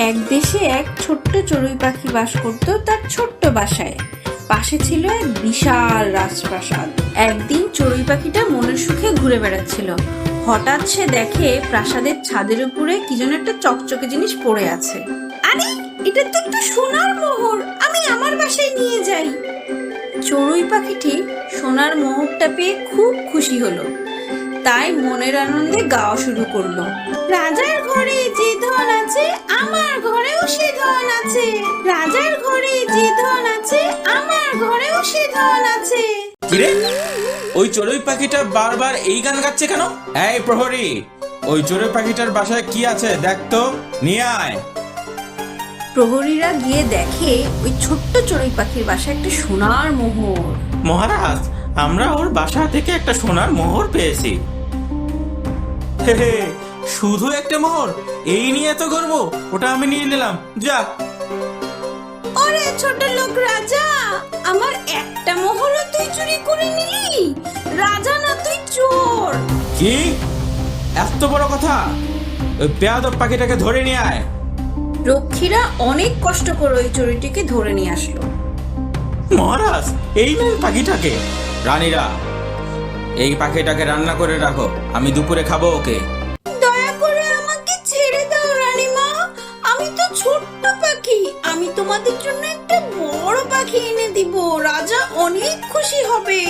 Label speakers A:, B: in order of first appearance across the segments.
A: এক দেশে এক ছোট্ট চড়ুই পাখি বাস করত তার ছোট্ট বাসায়। পাশে ছিল এক বিশাল রাজপ্রাসাদ। একদিন চড়ুই পাখিটা মনের সুখে ঘুরে বেড়াচ্ছিল। হঠাৎ সে দেখে প্রাসাদের ছাদের উপরে কি যেন একটা চকচকে জিনিস পড়ে আছে। আরে, এটা তো একটা সোনার মোহর, আমি আমার বাসায় নিয়ে যাই। চড়ুই পাখিটি সোনার মোহরটা পেয়ে খুব খুশি হলো, তাই মনের আনন্দে গাওয়া শুরু করলো। রাজার ঘরে যে ধন আছে আমার ঘরেও সে ধন আছে, রাজার ঘরে যে ধন আছে আমার ঘরেও সে ধন আছে।
B: কিরে, ওই চড়ুই পাখিটা বারবার এই গান গাচ্ছে কেন? এই প্রহরী, ওই চড়ুই পাখিটার বাসায় কি আছে দেখ তো, নিয়ে আয়।
A: প্রহরীরা গিয়ে দেখে ওই ছোট্ট চড়ুই পাখির বাসায় একটা সোনার মোহর।
B: মহারাজ, আমরা ওর বাসা থেকে একটা সোনার মোহর পেয়েছি। হে হে, শুধু একটা মোহর? এই নিয়ে তো গর্ব, ওটা আমি নিয়ে নিলাম, যা।
A: ওরে ছোট লোক রাজা, আমার একটা মোহরও তুই চুরি করে নিলি? রাজা না, তুই চোর।
B: কি এত বড় কথা? ওই বেয়াদব পাখিটাকে ধরে নিয়ে আয়।
A: রক্ষীরা অনেক কষ্ট করে ওই চড়ুইটিকে ধরে নিয়ে আসলো।
B: মহারাজ, এই নেন পাখিটাকে। রানীরা, এই পাখিটাকে রান্না করে রাখো, আমি দুপুরে খাবো ওকে।
A: দয়া করে আমাকে ছেড়ে দাও রানীমা, আমি তো ছোট্ট পাখি, আমি তোমাদের জন্য একটা বড় পাখি এনে দিব, রাজা অনেক খুশি হবে।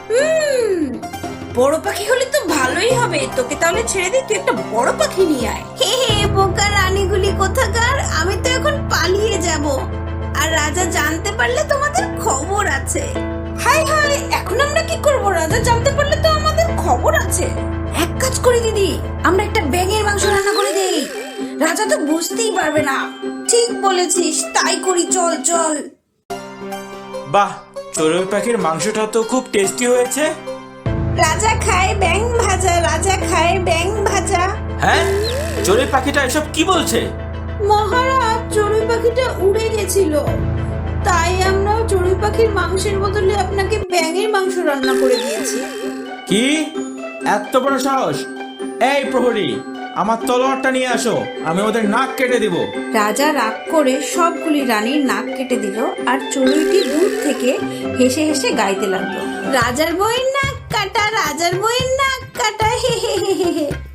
A: বড় পাখি হলে তো ভালোই হবে, তোকে তাহলে ছেড়ে দিই, তুই একটা বড় পাখি নিয়ে আয়। হে হে বোকা রানীগুলি কোথাকার, আমি তো এখন পালিয়ে যাব, আর রাজা জানতে পারলে তোমাদের খবর আছে। হাই হাই, এখন আমরা কি করব? রাজা জানতে পারলে তো আমাদের খবর আছে। এক কাজ করি দিদি, আমরা একটা ব্যাঙের মাংস রান্না করে দেই, রাজা তো বুঝতেই পারবে না। ঠিক বলেছিস, তাই করি, চল চল।
B: বাহ, চড়ুই পাখির মাংসটা তো খুব টেস্টি হয়েছে।
A: রাজা খায় ব্যাঙ ভাজা, রাজা খায় ব্যাঙ ভাজা।
B: হ্যাঁ, চড়ুই পাখিটা এসব কি বলছে?
A: মহারাজ, চড়ুই পাখিটা উড়ে গেছিল, তাই আমরা চড়ুই পাখির মাংসের বদলে আপনাকে ব্যাঙের মাংস রান্না করে দিয়েছি।
B: কি এত বড় সাহস? এই প্রহরী, আমার তলোয়ারটা নিয়ে আসো, আমি ওদের নাক কেটে দিব।
A: রাজা রাগ করে সবগুলি রানীর নাক কেটে দিল, আর চড়ুইটি দূর থেকে হেসে হেসে গাইতে লাগলো, রাজার বউয়ের নাক কাটা, রাজার বউয়ের নাক কাটা, হে হে হে হে হে।